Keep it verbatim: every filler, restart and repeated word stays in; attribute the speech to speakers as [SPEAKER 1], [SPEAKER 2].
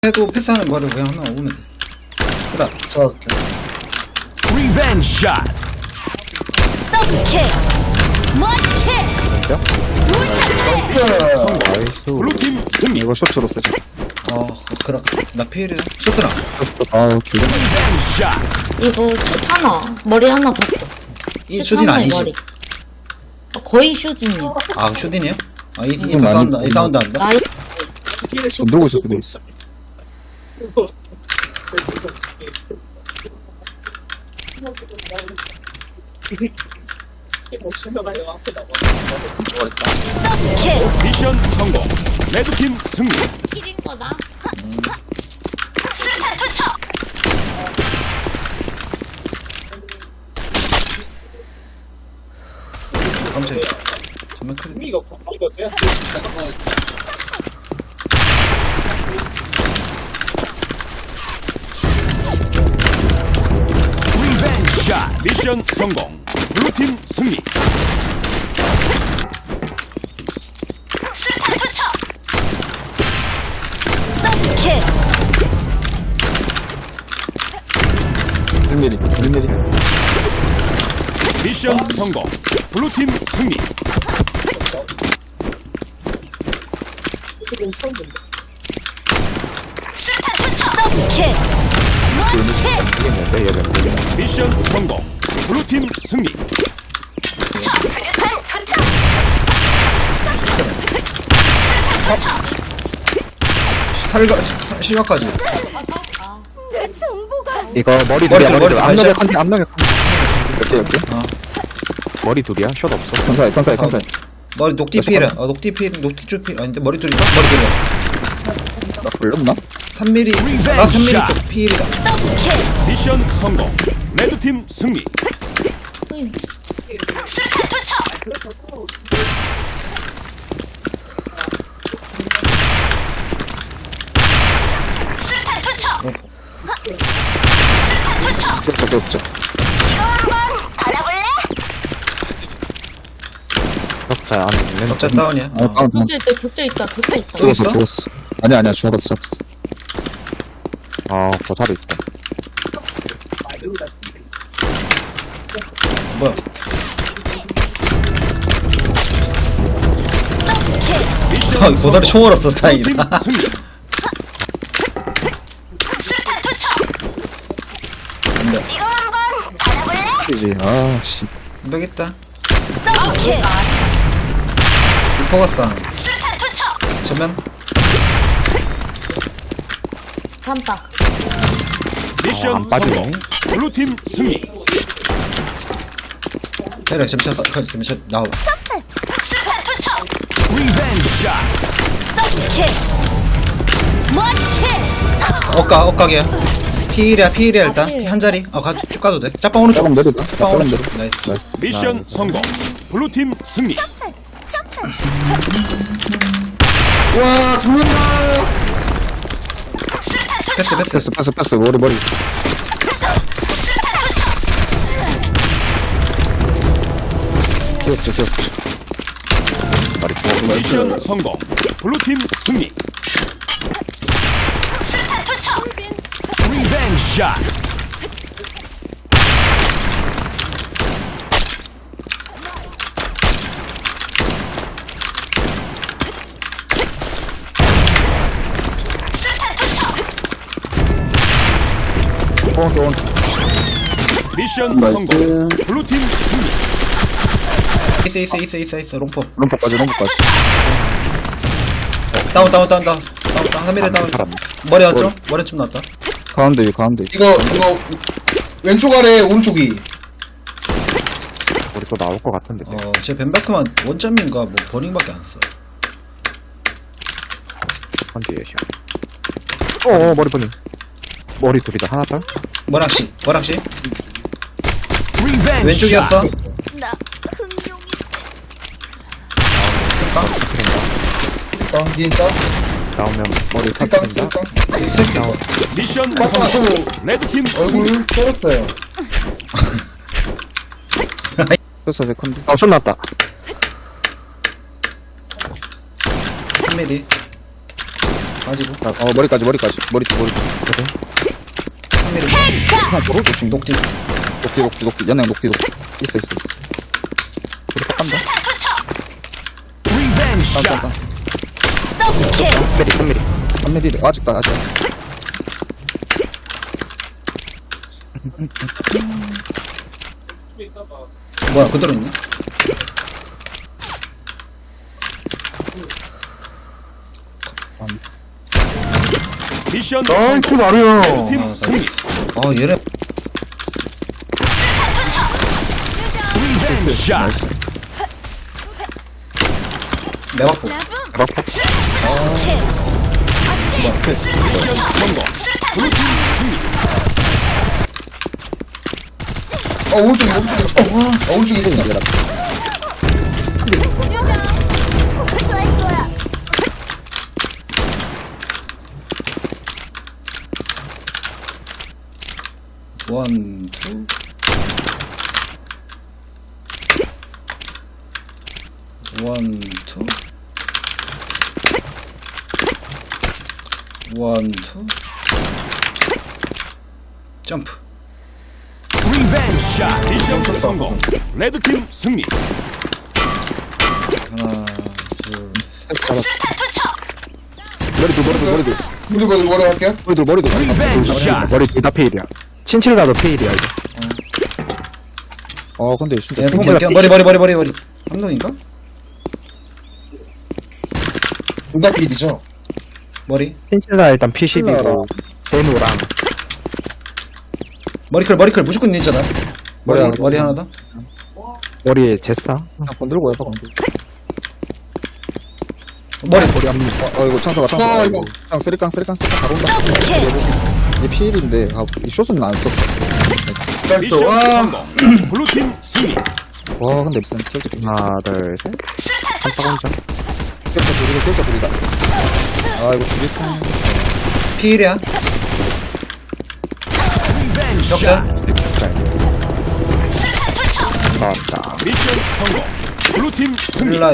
[SPEAKER 1] 해도 패스하는 거를 그냥 하나 오면 돼. 그다.
[SPEAKER 2] 자,
[SPEAKER 3] 리벤지 샷.
[SPEAKER 4] 더블킥 멋킥
[SPEAKER 2] 나이스.
[SPEAKER 3] 블루팀 승리.
[SPEAKER 2] 이거 쇼트로 쓰자.
[SPEAKER 1] 어, 그럼 나 피해리다. 쇼트랑.
[SPEAKER 2] 아우, 길어.
[SPEAKER 3] 리벤지 샷.
[SPEAKER 5] 이거 슛 하나 머리 하나 봤어.
[SPEAKER 1] 이
[SPEAKER 5] 슛
[SPEAKER 1] 슈딘
[SPEAKER 5] 하나에
[SPEAKER 1] 아니지?
[SPEAKER 5] 머리. 어, 거의 슈진이야.
[SPEAKER 1] 아, 슈딘이야? 아, 이, 이, 이
[SPEAKER 2] 음,
[SPEAKER 1] 사운드,
[SPEAKER 2] 아니,
[SPEAKER 1] 이 사운드 한다?
[SPEAKER 5] 나이
[SPEAKER 2] 누구 있을 수도 있어.
[SPEAKER 4] 더블킥
[SPEAKER 3] 미션 성공. 레드팀 승리.
[SPEAKER 5] 킬인 거다.
[SPEAKER 4] 술탄 투척
[SPEAKER 1] 깜짝이야. 정말 크리.
[SPEAKER 3] 리벤지 샷. 미션 성공. 블루팀 승리.
[SPEAKER 4] 술탄 투척 더블킥
[SPEAKER 2] 일 밀리미터, 일 밀리미터.
[SPEAKER 3] 미션 성공. 블루팀 승리.
[SPEAKER 4] 술탄 투척 더블킥 멋킥
[SPEAKER 3] 미션 성공. 블루팀 승리.
[SPEAKER 4] 술탄 투척 술탄 투척
[SPEAKER 1] 살가, 사- 실각까지.
[SPEAKER 4] 내 정보가
[SPEAKER 6] 이거 머리
[SPEAKER 1] 머리,
[SPEAKER 6] 둘이야
[SPEAKER 1] 머리,
[SPEAKER 6] 머리 둘
[SPEAKER 1] 머리,
[SPEAKER 6] 앞너게
[SPEAKER 1] 머리.
[SPEAKER 6] 컨디 앞너게 컨디
[SPEAKER 2] 이렇게, 이렇게.
[SPEAKER 1] 어.
[SPEAKER 6] 머리 둘이야 숏 없어
[SPEAKER 2] 컨사이, 컨사이, 컨사이.
[SPEAKER 1] 머리 녹띠 피해라. 어, 녹띠 피해, 녹띠 쪽 피해. 아닌데, 머리 둘이다? 머리 둘이야.
[SPEAKER 2] 나 걸렸나?
[SPEAKER 1] 삼 밀리미터. 아, 삼 밀리미터 쪽 피해리다.
[SPEAKER 4] 더블킥
[SPEAKER 3] 미션 성공. 레드팀 승리.
[SPEAKER 4] 술탄 투척 술탄 투척 술탄 투척
[SPEAKER 2] 저, 저, 저, 저.
[SPEAKER 4] 이거 한번 받아볼래?
[SPEAKER 6] 격자 안에 있는
[SPEAKER 1] 적자 다운이야.
[SPEAKER 2] 어, 다운, 다운.
[SPEAKER 5] 격자 있다. 격자 있다. 격자 있다.
[SPEAKER 1] 또
[SPEAKER 2] 죽었어,
[SPEAKER 1] 있어?
[SPEAKER 2] 죽었어. 아니야, 아니야, 죽었어, 죽었어.
[SPEAKER 6] 아 보살이 있다
[SPEAKER 1] 뭐야?
[SPEAKER 3] 미션
[SPEAKER 1] 아, 보살이 총 얼었어,
[SPEAKER 3] 블루팀
[SPEAKER 1] 다행이다.
[SPEAKER 3] 승리.
[SPEAKER 4] 술탄 투척 이거 한번 받아볼래?
[SPEAKER 2] 그지, 아, 씨.
[SPEAKER 1] 모르겠다.
[SPEAKER 4] 더블킥
[SPEAKER 1] 포가스
[SPEAKER 4] 술탄 투척
[SPEAKER 1] 전면.
[SPEAKER 5] 삼박.
[SPEAKER 3] 미션
[SPEAKER 6] 안 빠지네.
[SPEAKER 3] 성공. 블루팀 승리.
[SPEAKER 1] 때려, 잠시만, 서- 그, 잠시만, 나와.
[SPEAKER 4] 술탄 투척
[SPEAKER 3] 리벤지 샷.
[SPEAKER 4] 더블킥 멋킥
[SPEAKER 1] 엇가, 엇각이야. 피일이야, 피일이야, 일단. 한 자리. 아, 가, 쭉 가도 돼. 짭방 오른쪽.
[SPEAKER 2] 조금 내리다.
[SPEAKER 1] 짭방
[SPEAKER 2] 조금
[SPEAKER 1] 오른쪽.
[SPEAKER 2] 내려.
[SPEAKER 1] 나이스.
[SPEAKER 2] 나이스.
[SPEAKER 3] 미션 성공. 블루팀 승리.
[SPEAKER 4] 술탄 투척
[SPEAKER 1] 패스, 패스.
[SPEAKER 2] 패스, 패스, 패스. 머리, 머리. 귀엽죠, 귀엽죠.
[SPEAKER 6] 머리 죽어
[SPEAKER 3] 미션 성공. 블루팀 승리.
[SPEAKER 4] 술탄 투척
[SPEAKER 3] 리벤지 샷.
[SPEAKER 4] 술탄 투척
[SPEAKER 2] 또, 또.
[SPEAKER 3] 미션 성공. 블루팀 승리.
[SPEAKER 1] 있어, 있어, 있어, 있어, 있어. 롱포.
[SPEAKER 2] 롬퍼까지, 롬퍼까지.
[SPEAKER 1] 다운, 다운, 다운, 다운. 다운, 다운. 한 밀에 다운.
[SPEAKER 6] 살았네
[SPEAKER 1] 머리 왔죠? 머리 좀 났다.
[SPEAKER 2] 가운데, 위, 가운데.
[SPEAKER 7] 이거 이거 왼쪽 아래 오른쪽이
[SPEAKER 6] 우리 또 나올 것 같은데
[SPEAKER 1] 어, 제 벤바크만 원점인가, 뭐, 버닝밖에 안 써.
[SPEAKER 6] 컨디에 샷 어어 머리 보니 머리 둘이다 하나 딸
[SPEAKER 1] 머락씨, 머락씨.
[SPEAKER 3] 리벤지
[SPEAKER 1] 왼쪽이었어.
[SPEAKER 4] 나 흥룡이
[SPEAKER 7] 깡 니인자
[SPEAKER 6] 나오면 머리
[SPEAKER 7] 깡
[SPEAKER 6] 터뜨린다
[SPEAKER 7] 깡
[SPEAKER 3] 미션
[SPEAKER 7] 깡
[SPEAKER 3] 성공. 레드팀 승리.
[SPEAKER 7] 얼굴 떨었어요.
[SPEAKER 2] 패스, 세컨드.
[SPEAKER 6] 어숏 났다
[SPEAKER 1] 삼 밀리. 빠지고.
[SPEAKER 2] 자, 어, 머리까지, 머리까지. 머리, 머리.
[SPEAKER 1] 삼 미리.
[SPEAKER 2] 그냥 도로 조심.
[SPEAKER 1] 녹디.
[SPEAKER 2] 녹디, 녹디, 녹디. 연행 녹디, 녹디. 있어, 있어, 있어. 우리 pak 간다.
[SPEAKER 3] 리벤지
[SPEAKER 2] 딴,
[SPEAKER 3] 샷.
[SPEAKER 2] 딴, 딴.
[SPEAKER 4] 더블킬.
[SPEAKER 6] 삼 미리, 삼 미리.
[SPEAKER 2] 삼 미리. 아직다, 아직.
[SPEAKER 1] 뭐야, 그대로 있네?
[SPEAKER 3] 미션
[SPEAKER 6] 나이스,
[SPEAKER 3] 성공.
[SPEAKER 6] 마루요.
[SPEAKER 3] 팀
[SPEAKER 1] 아,
[SPEAKER 3] 승리.
[SPEAKER 1] 아, 얘네.
[SPEAKER 3] 리벤지 샷.
[SPEAKER 1] 매박고.
[SPEAKER 4] 더블킬.
[SPEAKER 3] 미션 성공. 블루팀 승리.
[SPEAKER 7] 어, 오른쪽에, 오른쪽에. 어, 어, 오른쪽에 있다.
[SPEAKER 4] 쏠 거야.
[SPEAKER 1] 원, 투. 원, 투. 원, 투. 점프.
[SPEAKER 3] 리벤지 샷. 미션 성공. 레드팀 승리.
[SPEAKER 1] 하나, 둘, 셋.
[SPEAKER 2] 잡았어.
[SPEAKER 4] 투척.
[SPEAKER 2] 머리도, 머리도, 머리도.
[SPEAKER 7] 우리 머리, 머리 할게요.
[SPEAKER 2] 머리도, 머리도.
[SPEAKER 3] 리벤지 샷.
[SPEAKER 6] 머리 둘 다 페일이야. 친칠가도 페일이야, 이거.
[SPEAKER 2] 어, 근데 진짜.
[SPEAKER 1] 얘
[SPEAKER 2] 핑
[SPEAKER 1] 머리, 머리, 머리, 머리, 머리, 머리. 삼동인가?
[SPEAKER 7] 둘다 필이죠?
[SPEAKER 1] 머리.
[SPEAKER 6] 친칠가 일단 피 십이고,
[SPEAKER 2] 칠라라.
[SPEAKER 6] 제노랑.
[SPEAKER 1] 머리클, 머리클 무조건 있잖아. 머리,
[SPEAKER 2] 머리 하나,
[SPEAKER 1] 머리 하나 더.
[SPEAKER 6] 머리에 제싸.
[SPEAKER 2] 그냥 건들고 해봐, 건들고.
[SPEAKER 1] 머리.
[SPEAKER 6] 머리 한 명.
[SPEAKER 2] 어, 이거 창사가, 창사가.
[SPEAKER 7] 아, 이거.
[SPEAKER 2] 그냥 쓰리깡, 쓰리깡, 쓰리깡. 바로 온다.
[SPEAKER 4] 더블킬.
[SPEAKER 2] 이게 피일인데, 아, 이 숏은 안 썼어.
[SPEAKER 3] 미션
[SPEAKER 1] 와.
[SPEAKER 3] 성공. 블루팀 승리.
[SPEAKER 2] 와, 근데 무슨 킬도 좀.
[SPEAKER 6] 하나, 둘, 셋. 한박 혼자.
[SPEAKER 2] 킬자 둘이고, 킬자 둘이다. 아, 이거 죽였어.
[SPEAKER 1] 피일이야.
[SPEAKER 3] 리벤지 샷.
[SPEAKER 1] 격자.
[SPEAKER 6] 나왔다.
[SPEAKER 3] 미션 성공. 블루팀 승리.
[SPEAKER 1] 일라